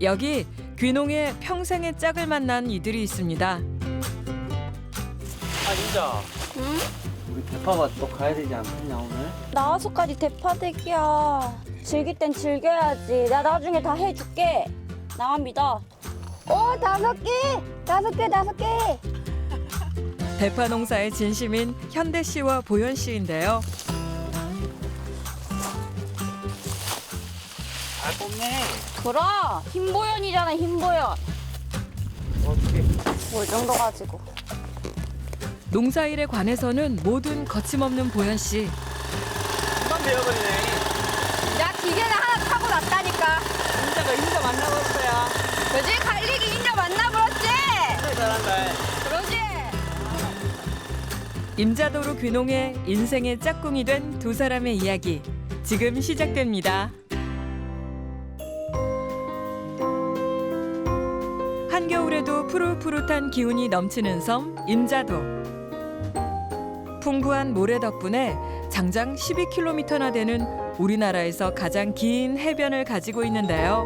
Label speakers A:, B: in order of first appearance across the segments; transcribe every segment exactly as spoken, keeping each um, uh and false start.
A: 여기 귀농에 평생의 짝을 만난 이들이 있습니다.
B: 아 진짜
C: 응?
B: 우리 대파밭 또 가야 되지 않겠냐 오늘?
C: 나와서까지 대파대기야. 즐길 땐 즐겨야지. 나 나중에 다 해줄게. 나만 믿어. 오, 다섯 개! 다섯 개, 다섯 개!
A: 대파 농사의 진심인 현대 씨와 보현 씨인데요.
B: 잘 뽑네.
C: 그럼! 흰보연이잖아, 흰보연.
B: 어떻게?
C: 뭐 이 정도 가지고.
A: 농사일에 관해서는 뭐든 거침없는 보현 씨.
B: 금방 되어버리네.
C: 야, 기계는 하나 타고 났다니까.
B: 인자가 인자 만나봤어요.
C: 그지? 갈리기 인자 만나버렸지?
B: 그래 잘한다.
C: 그러지?
A: 임자도로 귀농해 인생의 짝꿍이 된 두 사람의 이야기 지금 시작됩니다. 한겨울에도 푸릇푸릇한 기운이 넘치는 섬 임자도. 풍부한 모래 덕분에 장장 십이 킬로미터나 되는 우리나라에서 가장 긴 해변을 가지고 있는데요.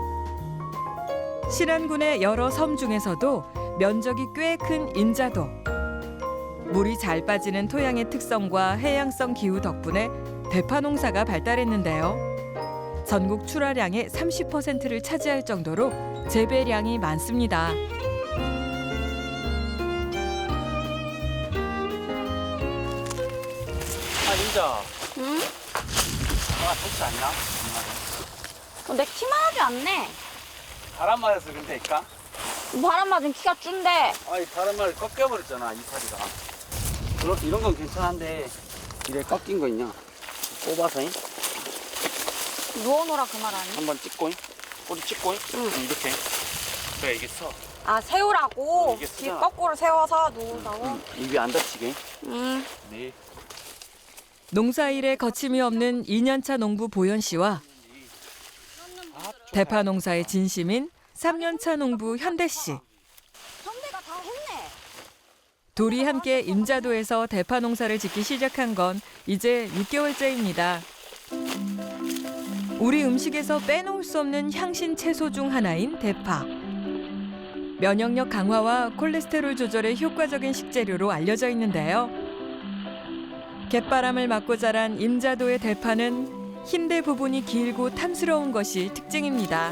A: 신안군의 여러 섬 중에서도 면적이 꽤 큰 임자도. 물이 잘 빠지는 토양의 특성과 해양성 기후 덕분에 대파 농사가 발달했는데요. 전국 출하량의 삼십 퍼센트를 차지할 정도로 재배량이 많습니다.
B: 아 인자.
C: 응?
B: 아 좋지 않나?
C: 어, 내 키만 하지 않네.
B: 바람 맞아서 그런데니까?
C: 바람 맞은 키가 준데.
B: 아이 바람 맞아 꺾여버렸잖아 이파리가. 그렇게 이런 건 괜찮은데 이래 꺾인 거 있냐? 꼽아서 잉?
C: 누워놓으라 그 말 아니?
B: 한번 찍고 잉? 꼬리 찍고 잉?
C: 응.
B: 이렇게. 그래 이게 서.
C: 아, 세우라고?
B: 어, 이게
C: 뒤
B: 쓰잖아.
C: 거꾸로 세워서 누우라고?
B: 응. 입이 안 다치게.
C: 응.
B: 네.
A: 농사일에 거침이 없는 이 년차 농부 보현 씨와 대파 농사의 진심인 삼 년차 농부 현대 씨.
C: 선배가 다 했네.
A: 둘이 함께 임자도에서 대파 농사를 짓기 시작한 건 이제 육 개월째입니다. 우리 음식에서 빼놓을 수 없는 향신 채소 중 하나인 대파. 면역력 강화와 콜레스테롤 조절에 효과적인 식재료로 알려져 있는데요. 갯바람을 맞고 자란 임자도의 대파는 흰대 부분이 길고 탐스러운 것이 특징입니다.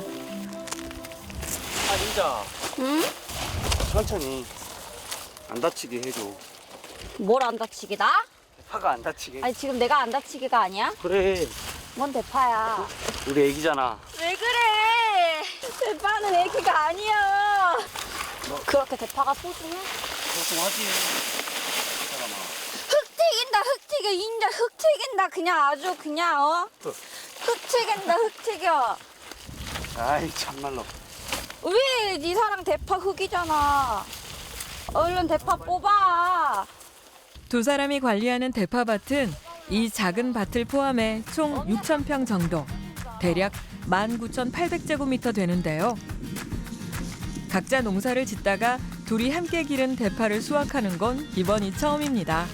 B: 아 인자.
C: 응?
B: 천천히 안 다치게 해줘.
C: 뭘 안 다치기다?
B: 파가 안 다치게.
C: 아니, 지금 내가 안 다치기가 아니야?
B: 그래.
C: 뭔 대파야.
B: 우리 애기잖아.
C: 왜 그래? 대파는 애기가 아니야. 그렇게 대파가 소중해?
B: 소중하지. 사람아.
C: 흙 튀긴다, 흙 튀겨. 인자 흙 튀긴다. 그냥 아주 그냥, 어? 흙 튀긴다, 흙 튀겨.
B: 아이 참말로.
C: 왜? 네 사랑 대파 흙이잖아. 얼른 대파 뽑아.
A: 두 사람이 관리하는 대파밭은 이 작은 밭을 포함해 총 육천 평 정도, 대략 만 구천팔백 제곱미터 되는데요. 각자 농사를 짓다가 둘이 함께 기른 대파를 수확하는 건 이번이 처음입니다.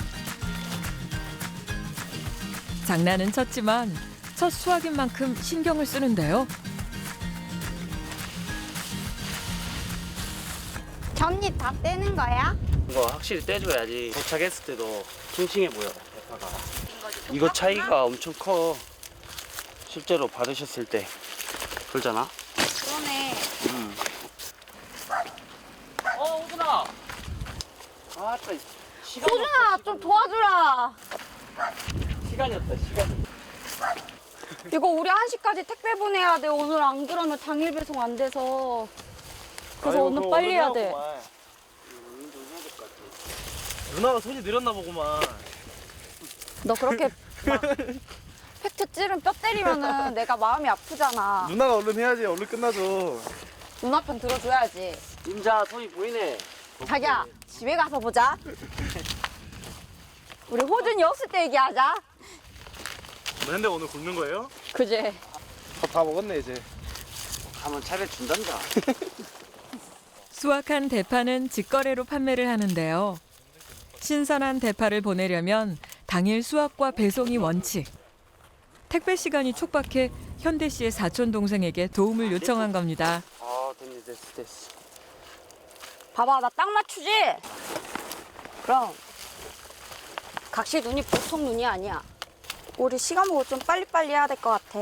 A: 장난은 쳤지만 첫 수확인 만큼 신경을 쓰는데요.
C: 전잎 다 떼는 거야?
B: 이거 확실히 떼줘야지 도착했을 때도 싱싱해 보여 대파가. 이거 차이가 엄청 커. 실제로 받으셨을 때 그러잖아.
C: 그러네.
B: 응. 어 호준아. 아따 시간
C: 호준아, 좀 도와주라.
B: 시간이었다 시간.
C: 이거 우리 한 시까지 택배 보내야 돼. 오늘 안 그러면 당일 배송 안 돼서. 그래서
B: 아유,
C: 오늘
B: 그거
C: 빨리
B: 오늘
C: 해야 돼.
B: 해야구만. 이거 오늘 좀 해야 될 것 같아.
D: 누나가 손이 늘었나 보구만.
C: 너 그렇게 막 팩트 찌른 뼈 때리면은 내가 마음이 아프잖아.
D: 누나가 얼른 해야지. 얼른 끝나죠.
C: 누나 편 들어줘야지.
B: 임자 손이 보이네.
C: 자기야, 집에 가서 보자. 우리 호준이 없을 때 얘기하자.
D: 근데 오늘 굶는 거예요?
C: 그지?
D: 밥 다 먹었네 이제.
B: 가면 차려준단다.
A: 수확한 대파는 직거래로 판매를 하는데요. 신선한 대파를 보내려면 당일 수확과 배송이 원칙. 택배 시간이 촉박해 현대 씨의 사촌 동생에게 도움을 요청한 겁니다.
B: 아 됐네 됐어 됐어.
C: 봐봐, 나 딱 맞추지? 그럼 각시 눈이 보통 눈이 아니야. 우리 시간 보고 좀 빨리빨리 해야 될 것 같아.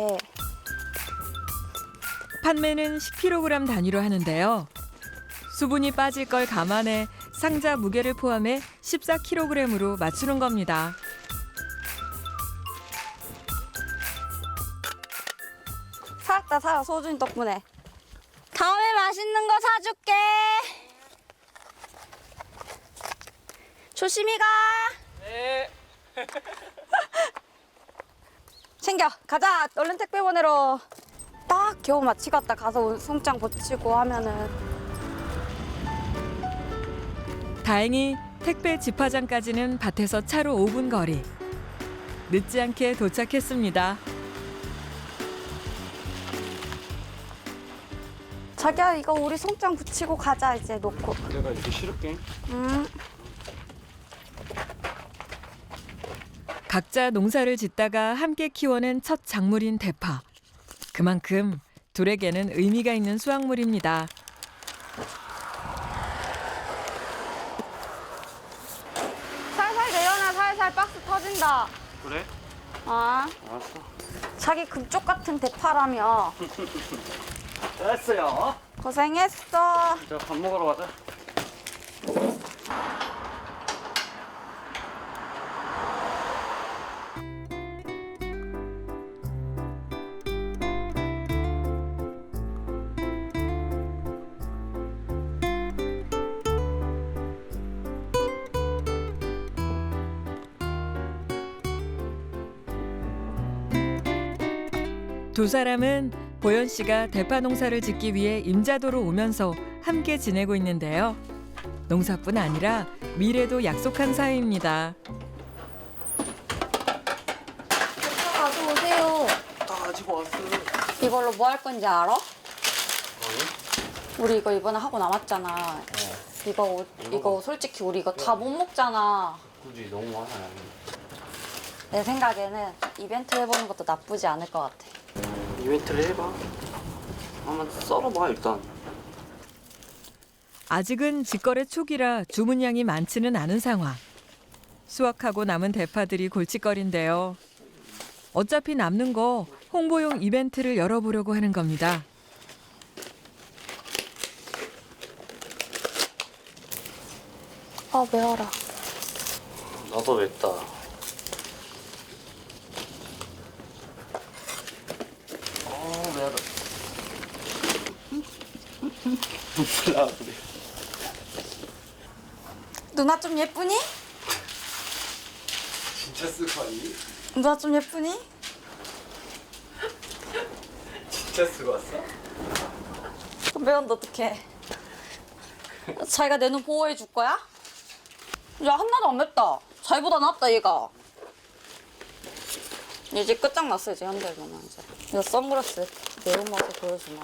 A: 판매는 십 킬로그램 단위로 하는데요. 수분이 빠질 걸 감안해 상자 무게를 포함해 십사 킬로그램으로 맞추는 겁니다.
C: 살았다 살아, 소준이 덕분에. 다음에 맛있는 거 사줄게. 조심히 가.
D: 네.
C: 챙겨 가자. 얼른 택배 보내러. 딱 겨우 마치겠다. 가서 송장 붙이고 하면은.
A: 다행히 택배 집화장까지는 밭에서 차로 오 분 거리. 늦지 않게 도착했습니다.
C: 자기야, 이거 우리 송장 붙이고 가자. 이제 놓고.
B: 내가 이렇게 실을게.
C: 음.
A: 각자 농사를 짓다가 함께 키워낸 첫 작물인 대파. 그만큼 둘에게는 의미가 있는 수확물입니다.
C: 살살 내려놔. 살살 박스 터진다.
B: 그래?
C: 아,
B: 알았어.
C: 자기 금쪽 같은 대파라며.
B: 됐어요.
C: 고생했어.
B: 자 밥 먹으러 가자.
A: 두 사람은 보현 씨가 대파 농사를 짓기 위해 임자도로 오면서 함께 지내고 있는데요. 농사뿐 아니라 미래도 약속한 사이입니다.
C: 대파 가져오세요.
B: 아 아직 왔어.
C: 이걸로 뭐 할 건지 알아? 우리 이거 이번에 하고 남았잖아. 이거 오- 이거 솔직히 우리 이거 다 못 먹잖아.
B: 굳이 너무 많아요.
C: 내 생각에는 이벤트 해보는 것도 나쁘지 않을 것 같아.
B: 이벤트를 해봐. 한번 썰어봐 일단.
A: 아직은 직거래 초기라 주문량이 많지는 않은 상황. 수확하고 남은 대파들이 골칫거리인데요. 어차피 남는 거 홍보용 이벤트를 열어보려고 하는 겁니다.
C: 아, 매워라.
B: 나도 맵다. 어 매워라. 몰라 그래.
C: 누나 좀 예쁘니?
D: 진짜 쓰고하니?
C: 누나 좀 예쁘니?
D: 진짜 쓰고 왔어?
C: 매운데 어떡해. 자기가 내 눈 보호해 줄 거야? 야, 하나도 안 맵다. 자기보다 낫다, 얘가. 이제 끝장났어, 이제 현대로는 이제. 이거 선글라스 매운맛을 보여주나.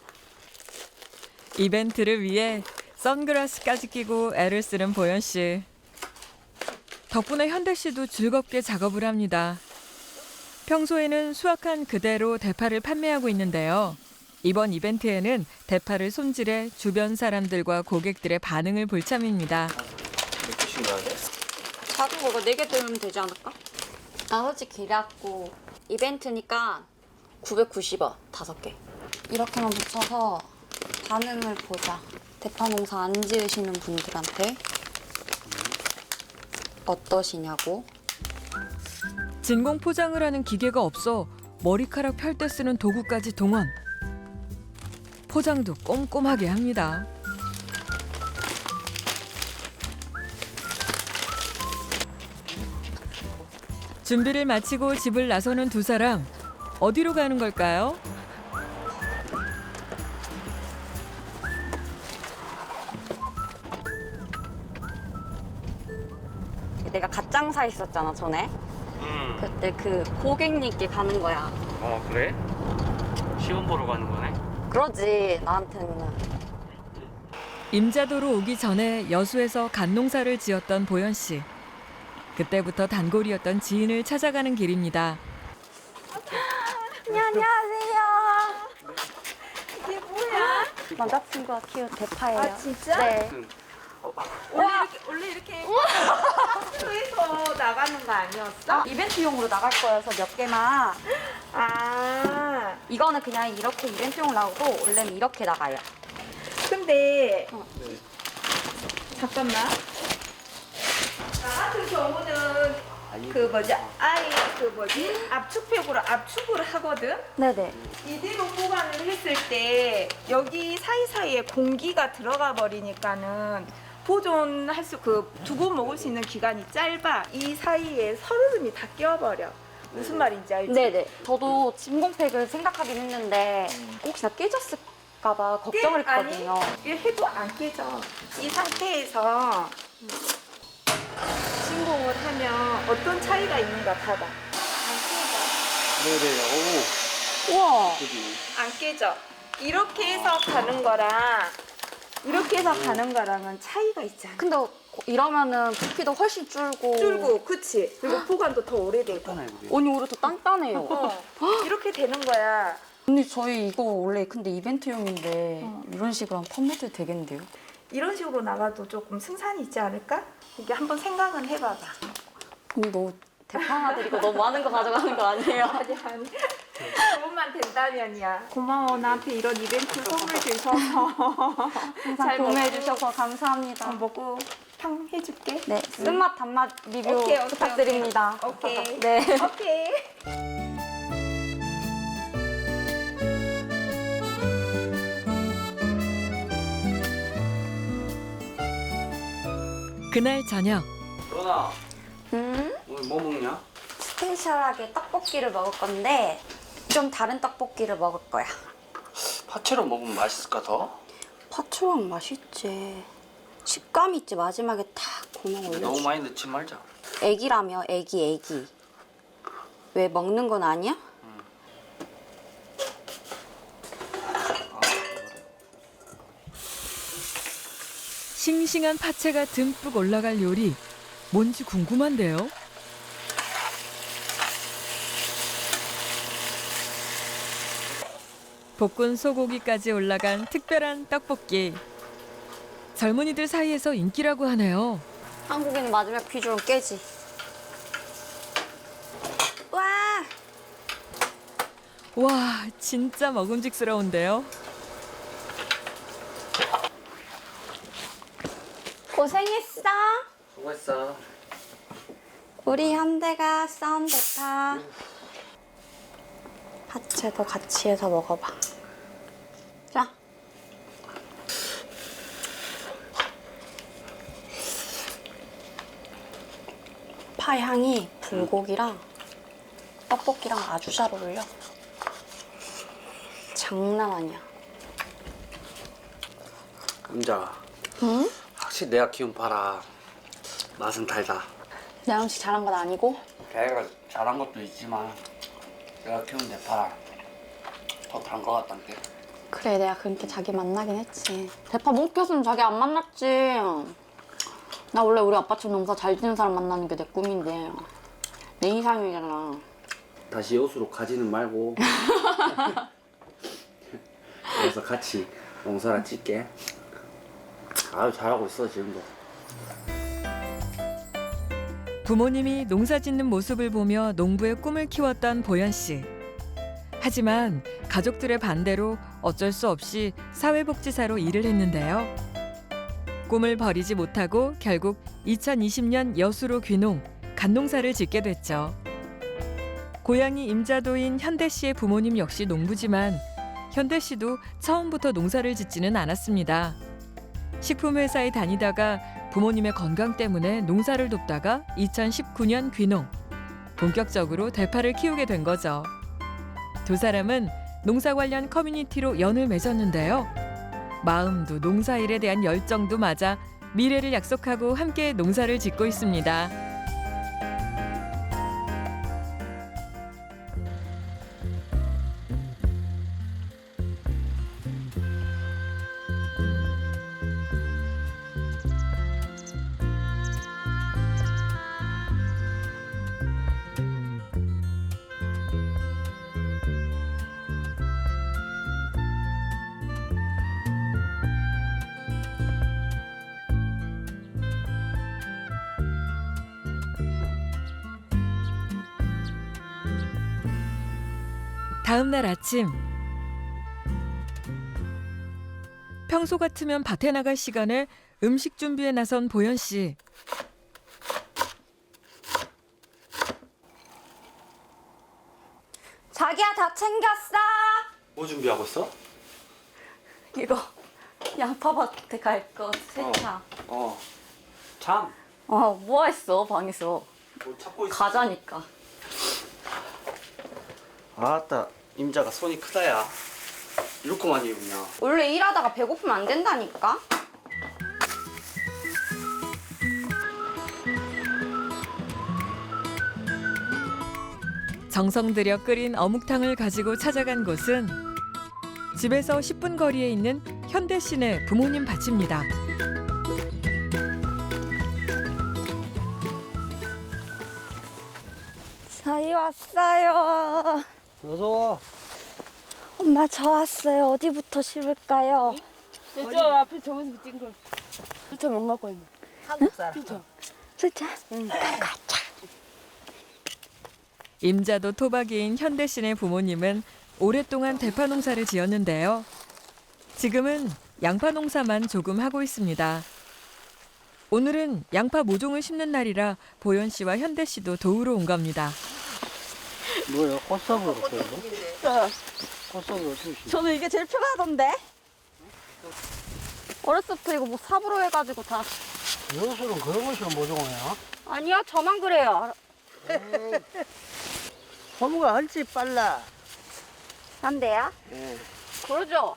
A: 이벤트를 위해 선글라스까지 끼고 애를 쓰는 보현 씨. 덕분에 현대 씨도 즐겁게 작업을 합니다. 평소에는 수확한 그대로 대파를 판매하고 있는데요. 이번 이벤트에는 대파를 손질해 주변 사람들과 고객들의 반응을 볼 참입니다.
B: 몇 개씩 넣어야 돼?
C: 작은 거 이거 네 개 들면 되지 않을까? 나 솔직히 이래갖고 이벤트니까 구백구십 원 다섯 개. 이렇게만 붙여서 반응을 보자. 대파 농사 안 지으시는 분들한테 어떠시냐고.
A: 진공 포장을 하는 기계가 없어 머리카락 펼 때 쓰는 도구까지 동원. 포장도 꼼꼼하게 합니다. 준비를 마치고 집을 나서는 두 사람. 어디로 가는 걸까요?
C: 내가 갓장사 있었잖아, 전에.
B: 응.
C: 그때 그 고객님께 가는 거야.
B: 어 그래? 시험 보러 가는 거네?
C: 그러지, 나한테는.
A: 임자도로 오기 전에 여수에서 갓농사를 지었던 보현 씨. 그때부터 단골이었던 지인을 찾아가는 길입니다.
C: 네, 안녕하세요. 남자친구가 키운 대파예요.
E: 아, 진짜?
C: 네.
E: 원래 이렇게, 원래 이렇게 학교에서 나가는 거 아니었어?
C: 이벤트용으로 나갈 거여서 몇 개만.
E: 아,
C: 이거는 그냥 이렇게 이벤트용으로 나오고 원래는 이렇게 나가요.
E: 근데
C: 어.
E: 잠깐만. 나 같은 경우는 그 뭐지 아예 그 뭐지 압축팩으로 압축을 하거든.
C: 네네.
E: 이대로 보관을 했을 때 여기 사이사이에 공기가 들어가 버리니까는 보존할 수 그 두고 먹을 수 있는 기간이 짧아. 이 사이에 서름이 다 끼어버려. 무슨 말인지 알지?
C: 네네. 저도 진공팩을 생각하긴 했는데 혹시나 깨졌을까봐 걱정을
E: 깨- 아니,
C: 했거든요.
E: 이게 해도 안 깨져. 이 상태에서 진공을 하면 어떤 차이가 있는가 봐봐.
B: 네네.
C: 우와.
B: 오. 그지.
E: 안 깨져. 이렇게 해서 가는 거랑 이렇게 해서 가는 거랑은 차이가 있잖아.
C: 근데 이러면은 부피도 훨씬 줄고.
E: 줄고, 그치? 그리고 보관도 더 오래되고.
B: 하나요, 그게?
C: 언니 오히려 더 단단해요.
E: 어, 이렇게 되는 거야.
C: 언니 저희 이거 원래 근데 이벤트용인데 이런 식으로 하면 판매도 되겠는데요?
E: 이런 식으로 나가도 조금 승산이 있지 않을까? 이게 한번 생각은 해봐봐.
C: 언니 너무 대파 하나 드리고 너무 많은 거 가져가는 거 아니에요?
E: 아니, 아니. 도움만 된다면이야. 고마워. 나한테 이런 이벤트 선물 주셔서.
C: 항상
E: 잘
C: 구매해
E: 먹고.
C: 주셔서 감사합니다.
E: 어, 먹고 팡 해줄게.
C: 네, 쓴맛 단맛 리뷰
E: 오케이, 오케이,
C: 부탁드립니다.
E: 오케이.
C: 네.
E: 오케이.
A: 그날 저녁
B: 로나,
C: 음,
B: 오늘 뭐 먹냐?
C: 스페셜하게 떡볶이를 먹을 건데 좀 다른 떡볶이를 먹을 거야.
B: 파채로 먹으면 맛있을까 더?
C: 파초랑 맛있지. 식감 있지. 마지막에 탁 구멍
B: 너무
C: 올려줘.
B: 많이 넣지 말자.
C: 애기라며 애기 애기. 왜 먹는 건 아니야?
A: 싱싱한 파채가 듬뿍 올라갈 요리 뭔지 궁금한데요. 볶은 소고기까지 올라간 특별한 떡볶이. 젊은이들 사이에서 인기라고 하네요.
C: 한국인 마지막 비주얼 깨지. 와,
A: 와, 진짜 먹음직스러운데요.
C: 고생했어.
B: 수고했어.
C: 우리 현대가 썬 대파. 파채도 같이 해서 먹어봐. 자. 파 향이 불고기랑 떡볶이랑 아주 잘 어울려. 장난 아니야.
B: 남자가
C: 응?
B: 확실히 내가 키운 파라 맛은 달다.
C: 내 음식 잘한 건 아니고.
B: 걔가 잘한 것도 있지만 내가 키운 내 파라 더 단 거 같단 게.
C: 그래, 내가 그렇게 자기 만나긴 했지. 대파 못 켰으면 자기 안 만났지. 나 원래 우리 아빠처럼 농사 잘 지는 사람 만나는 게 내 꿈인데 내 이상형이잖아.
B: 다시 여수로 가지는 말고 그래서 같이 농사를 짓게. 아유 잘하고 있어 지금도.
A: 부모님이 농사 짓는 모습을 보며 농부의 꿈을 키웠던 보현 씨. 하지만 가족들의 반대로 어쩔 수 없이 사회복지사로 일을 했는데요. 꿈을 버리지 못하고 결국 이천이십 년 여수로 귀농, 갓농사를 짓게 됐죠. 고향이 임자도인 현대 씨의 부모님 역시 농부지만 현대 씨도 처음부터 농사를 짓지는 않았습니다. 식품회사에 다니다가 부모님의 건강 때문에 농사를 돕다가 이천십구 년 귀농. 본격적으로 대파를 키우게 된 거죠. 두 사람은 농사 관련 커뮤니티로 연을 맺었는데요. 마음도 농사일에 대한 열정도 맞아 미래를 약속하고 함께 농사를 짓고 있습니다. 다음 날 아침 평소 같으면 밭에 나갈 시간에 음식 준비에 나선 보현 씨.
C: 자기야 다 챙겼어.
B: 뭐 준비하고 있어?
C: 이거 양파밭에 갈 거 세차.
B: 어. 참.
C: 어, 뭐 했어 방에서?
B: 뭐 찾고 있어?
C: 가자니까.
B: 아따, 임자가 손이 크다야. 이렇게 많이 입냐?
C: 원래 일하다가 배고프면 안 된다니까.
A: 정성 들여 끓인 어묵탕을 가지고 찾아간 곳은 집에서 십 분 거리에 있는 현대 씨네 부모님 밭입니다.
C: 저희 왔어요.
B: 어서 와.
C: 엄마 저 왔어요. 어디부터 심을까요?
F: 저 앞에 저기서 찍은 걸. 진짜 못 갖고 있네.
E: 한국 사람.
C: 진짜?
A: 임자도 토박이인 현대 씨네 부모님은 오랫동안 대파 농사를 지었는데요. 지금은 양파 농사만 조금 하고 있습니다. 오늘은 양파 모종을 심는 날이라 보현 씨와 현대 씨도 도우러 온 겁니다.
B: 뭐야? 꽃삽으로 끓여? 꽃삽으로 어떻게 심
C: 저는 이게 제일 편하던데. 어렸을 때 이거 뭐 삽으로 해가지고 다.
B: 여수는 그런 것이 모종이야?
C: 아니야 저만 그래요.
G: 호무가 훨씬 빨라.
C: 안 돼요?
G: 예.
C: 그러죠.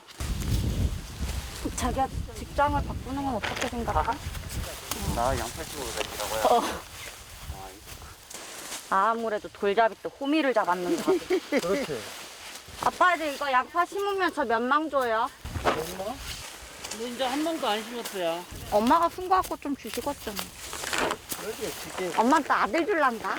C: 자기가 직장을 바꾸는 건 어떻게 생각해?
B: 나 양파 집으로 다니라고요?
C: 아무래도 돌잡이 때 호미를 잡았는데.
B: 그렇지.
F: 아빠 이제 이거 양파 심으면 저 몇 망 줘요?
B: 엄마?
F: 너 이제 한 망도 안 심었어요.
C: 엄마가 쓴 거 갖고 좀 주시겠잖아.
G: 그렇지, 주제.
C: 엄마는 또 아들 줄란다.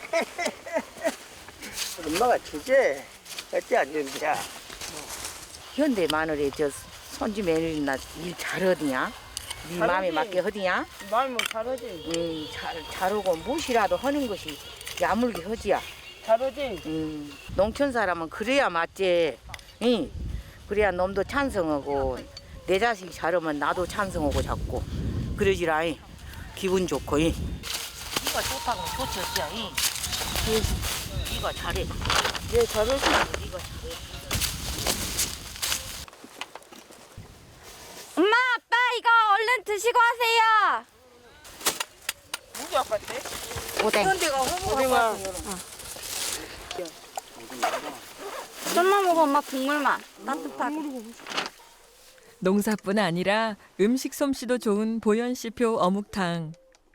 G: 엄마가 주제. 어찌 안 준비야. 현대 마늘에 저 손주 며느리나 일 잘하디냐? 네 마음에 맞게 하디냐?
F: 마음이 잘하지.
G: 음, 잘, 잘하고 무엇이라도 하는 것이 야물게 하지야.
F: 잘하지.
G: 음, 농촌 사람은 그래야 맞지. 응. 그래야 놈도 찬성하고 내 자식이 잘하면 나도 찬성하고 자꾸 그러지라. 이. 기분 좋고. 이. 네가 좋다고 좋지 어찌야. 이. 네가 잘해.
F: 네 잘하지.
G: 네가 잘해.
C: 엄마 아빠 이거 얼른 드시고 하세요.
F: 누구 아팠대?
C: 오뎅.
G: 현대가 호무가
C: 좀만 먹어 엄마 국물만. 따뜻하게.
A: 농사뿐 아니라 음식 솜씨도 좋은 보현 씨표 어묵탕.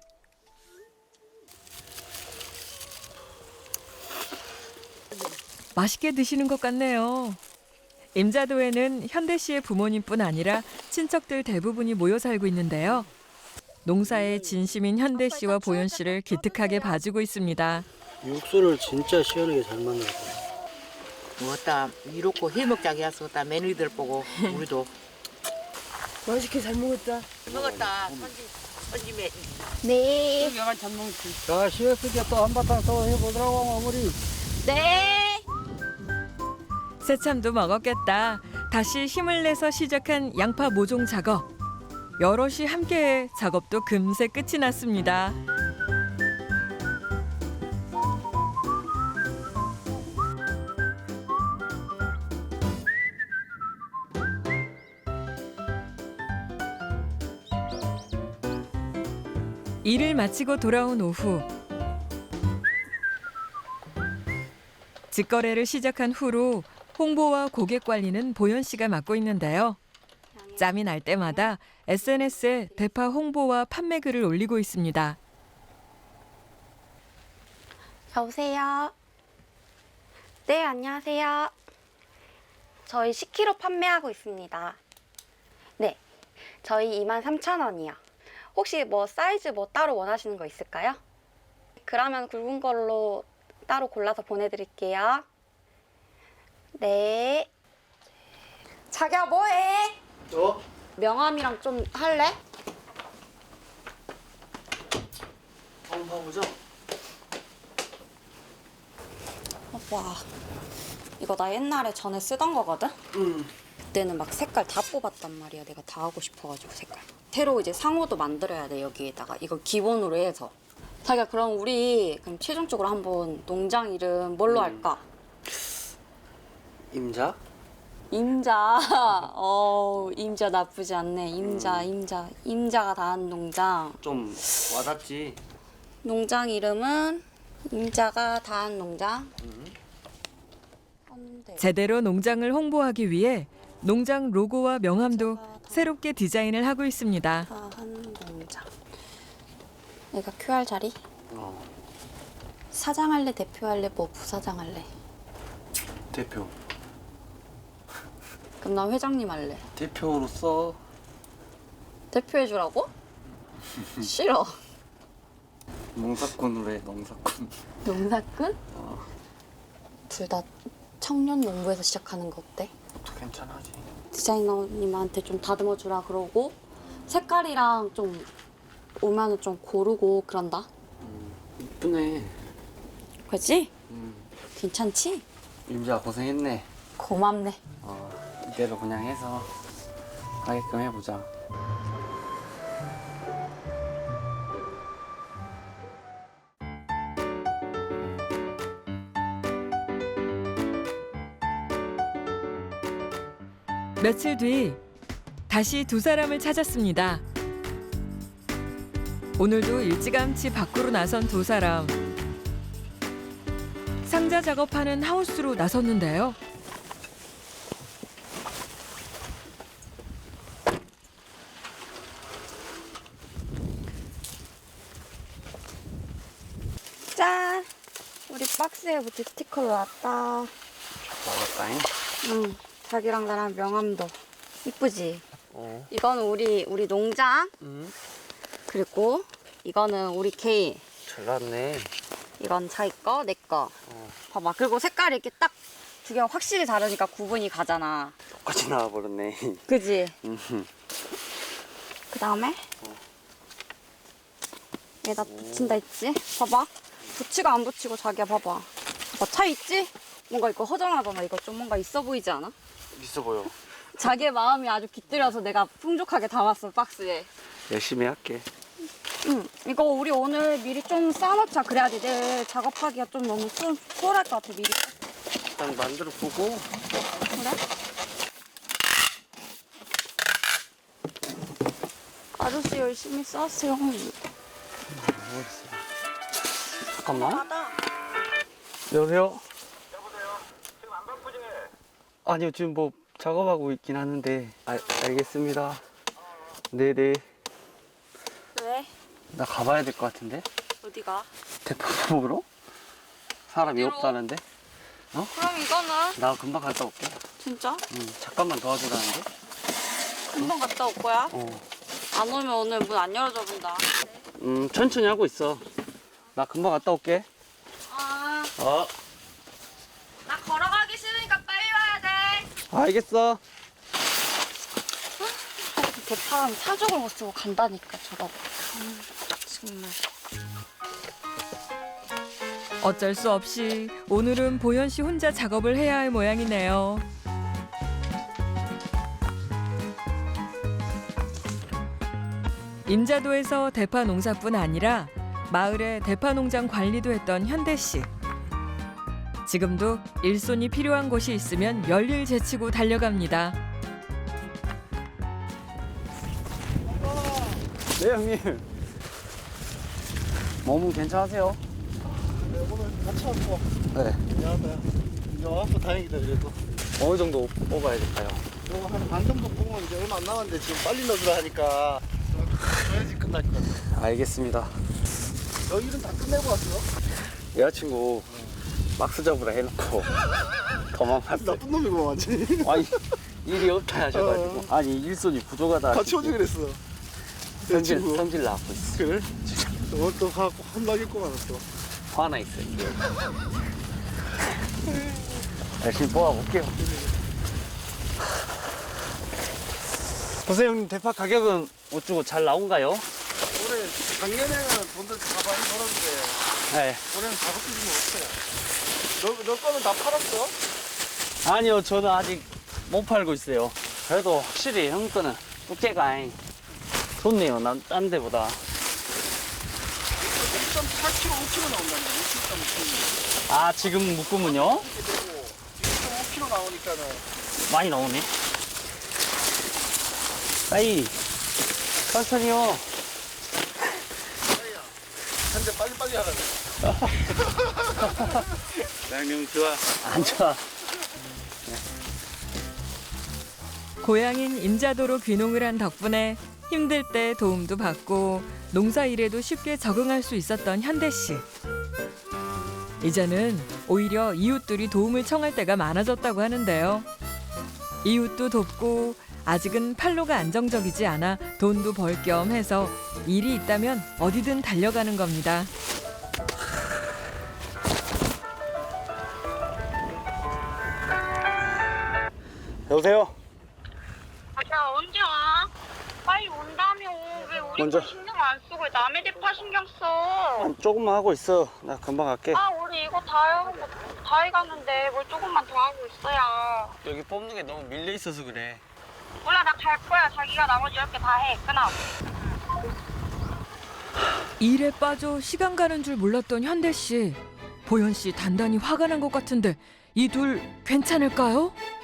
A: 맛있게 드시는 것 같네요. 임자도에는 현대 씨의 부모님뿐 아니라 친척들 대부분이 모여 살고 있는데요. 농사에 진심인 현대 씨와 보현 씨를 기특하게 봐주고 있습니다.
B: 육수를 진짜 시원하게 잘 만들었다.
G: 뭐다 이렇고 해먹자기 했었다. 며느리들 보고 우리도
F: 맛있게 잘 먹었다.
G: 먹었다. 손지 손지매.
C: 네.
F: 여간 잘 먹었지.
B: 자, 시원하게 또 한바탕 또 해보더라고, 마무리.
C: 네.
A: 새참도 먹었겠다. 다시 힘을 내서 시작한 양파 모종 작업. 여럿이 함께해 작업도 금세 끝이 났습니다. 일을 마치고 돌아온 오후. 직거래를 시작한 후로 홍보와 고객 관리는 보현 씨가 맡고 있는데요. 짬이 날 때마다 에스엔에스에 대파 홍보와 판매 글을 올리고 있습니다.
C: 여보세요. 네 안녕하세요. 저희 십 킬로그램 판매하고 있습니다. 네. 저희 이만 삼천 원이요. 혹시 뭐 사이즈 뭐 따로 원하시는 거 있을까요? 그러면 굵은 걸로 따로 골라서 보내드릴게요. 네. 자기야 뭐해?
B: 어?
C: 명함이랑 좀 할래?
B: 한번 봐보자.
C: 와. 이거 나 옛날에 전에 쓰던 거거든?
B: 응.
C: 그때는 막 색깔 다 뽑았단 말이야. 내가 다 하고 싶어가지고 색깔. 새로 이제 상호도 만들어야 돼 여기에다가. 이거 기본으로 해서. 자기야 그럼 우리 그럼 최종적으로 한번 농장 이름 뭘로 할까?
B: 임자?
C: 임자. 어 임자 나쁘지 않네. 임자 임자 임자가 다 한 농장.
B: 좀 와닿지?
C: 농장 이름은 임자가 다 한 농장. 헌데.
A: 제대로 농장을 홍보하기 위해 농장 로고와 명함도 새롭게 디자인을 하고 있습니다.
C: 다 한 농장. 내가 큐알 자리?
B: 어.
C: 사장 할래, 대표 할래, 뭐 부사장 할래?
B: 대표.
C: 그럼 나 회장님 할래.
B: 대표로서
C: 대표 해주라고? 싫어.
B: 농사꾼으로 해, 농사꾼.
C: 농사꾼? 둘 다 청년 농부에서 시작하는 거 어때?
B: 또 괜찮아지.
C: 디자이너님한테 좀 다듬어 주라 그러고 색깔이랑 좀 오면은 좀 고르고 그런다.
B: 이쁘네.
C: 그렇지?
B: 음.
C: 괜찮지?
B: 임자 고생했네.
C: 고맙네.
B: 어, 이대로 그냥 해서 하게끔 해보자.
A: 며칠 뒤 다시 두 사람을 찾았습니다. 오늘도 일찌감치 밖으로 나선 두 사람. 상자 작업하는 하우스로 나섰는데요.
C: 짠! 우리 박스에 붙일 스티커도 왔다.
B: 먹을까잉?
C: 응. 자기랑 나랑 명함도. 이쁘지?
B: 어.
C: 이거는 우리 우리 농장.
B: 응.
C: 그리고 이거는 우리 개인.
B: 잘 나왔네.
C: 이건 자기 거, 내 거.
B: 어.
C: 봐봐. 그리고 색깔이 이렇게 딱 두 개가 확실히 다르니까 구분이 가잖아.
B: 똑같이 나와버렸네.
C: 그지?
B: 음.
C: 그 다음에 얘다 붙인다 했지? 봐봐. 붙이고 안 붙이고 자기야 봐봐. 봐봐. 차 있지? 뭔가 이거 허전하잖아. 이거 좀 뭔가 있어 보이지 않아?
B: 있어 보여.
C: 자기의 마음이 아주 깃들여서 내가 풍족하게 담았어, 박스에.
B: 열심히 할게.
C: 응. 이거 우리 오늘 미리 좀 싸놓자. 그래야지 내일 작업하기가 좀 너무 수, 수월할 것 같아, 미리.
B: 일단 만들어 보고.
C: 그래? 아저씨 열심히 싸세요.
B: 잠깐만.
C: 받아.
B: 여보세요? 아니요, 지금 뭐 작업하고 있긴 하는데. 아, 알겠습니다. 네네.
C: 왜?
B: 나 가봐야 될 것 같은데?
C: 어디가?
B: 대파 먹으러? 사람이
C: 어디로?
B: 없다는데?
C: 그럼 이거는
B: 나 금방 갔다 올게.
C: 진짜?
B: 응, 잠깐만 도와주라는데?
C: 금방 갔다 올 거야?
B: 어.
C: 안 오면 오늘 문 안 열어줘 본다.
B: 음, 천천히 하고 있어. 나 금방 갔다 올게.
C: 아,
B: 어.
C: 나 걸어가기 싫으니까 빨리 와야 돼.
B: 알겠어.
C: 대파랑 사족을 못 쓰고 간다니까 저거. 음, 정말.
A: 어쩔 수 없이 오늘은 보현 씨 혼자 작업을 해야 할 모양이네요. 임자도에서 대파 농사뿐 아니라 마을의 대파 농장 관리도 했던 현대 씨. 지금도 일손이 필요한 곳이 있으면 열일 제치고 달려갑니다.
B: 네, 형님. 몸은 괜찮으세요?
D: 네, 오늘 같이 왔고
B: 네.
D: 미안하다. 이제 와서 다행이다 그래도.
B: 어느 정도 뽑아야 될까요?
D: 이거 한 반 정도 뽑으면 이제 얼마 안 남았는데 지금 빨리 넣어주라 하니까 줘야지 끝날 것 같아.
B: 알겠습니다.
D: 너 일은 다 끝내고 왔어?
B: 여자친구 박스 잡으라 해놓고 도망갔어요.
D: 나쁜 놈이고 완전히.
B: 아니, 일이 없다 하셔가지고. 아니, 일손이 부족하다.
D: 같이 오지 그랬어. 내
B: 성질,
D: 친구.
B: 성질 나고 있어.
D: 그래? 오늘 또 가고 혼나겠구만 또.
B: 화나 있어요, 지금. 열심히 뽑아볼게요. 선생님, 대파 가격은 어쩌고 잘 나온가요?
D: 올해 작년에는 돈들 다 많이 벌었는데
B: 네.
D: 올해는 다섯 개 주면 없어요. 너, 너 거는 다 팔았어?
B: 아니요, 저는 아직 못 팔고 있어요. 그래도 확실히 형 거는 두께가 좋네요, 난 딴 데보다.
D: 일 점 팔 킬로그램, 오 킬로그램 나온다는 거. 일 점 오 킬로그램.
B: 아, 지금 묶으면요?
D: 이렇게 되고 일 점 오 킬로그램 나오니까는
B: 많이 나오네. 아이, 천천히요.
D: 한대 빨리빨리 하라.
B: 양념 좋아. 안 좋아.
A: 고향인 인자도로 귀농을 한 덕분에 힘들 때 도움도 받고 농사일에도 쉽게 적응할 수 있었던 현대 씨. 이제는 오히려 이웃들이 도움을 청할 때가 많아졌다고 하는데요. 이웃도 돕고 아직은 판로가 안정적이지 않아 돈도 벌 겸 해서 일이 있다면 어디든 달려가는 겁니다.
B: 여보세요?
H: 야 언제 와? 빨리 온다며. 왜 우리
B: 먼저.
H: 거 신경 안 쓰고 왜 남의 대파 신경 써?
B: 아, 조금만 하고 있어. 나 금방 갈게.
H: 아 우리 이거 다 해가고 다 해갔는데 뭘 조금만 더 하고 있어야.
B: 여기 뽑는 게 너무 밀려 있어서 그래.
H: 몰라 나 갈 거야. 자기가 나머지 열 개 다 해. 끊어.
A: 일에 빠져 시간 가는 줄 몰랐던 현대 씨. 보현 씨 단단히 화가 난 것 같은데 이 둘 괜찮을까요?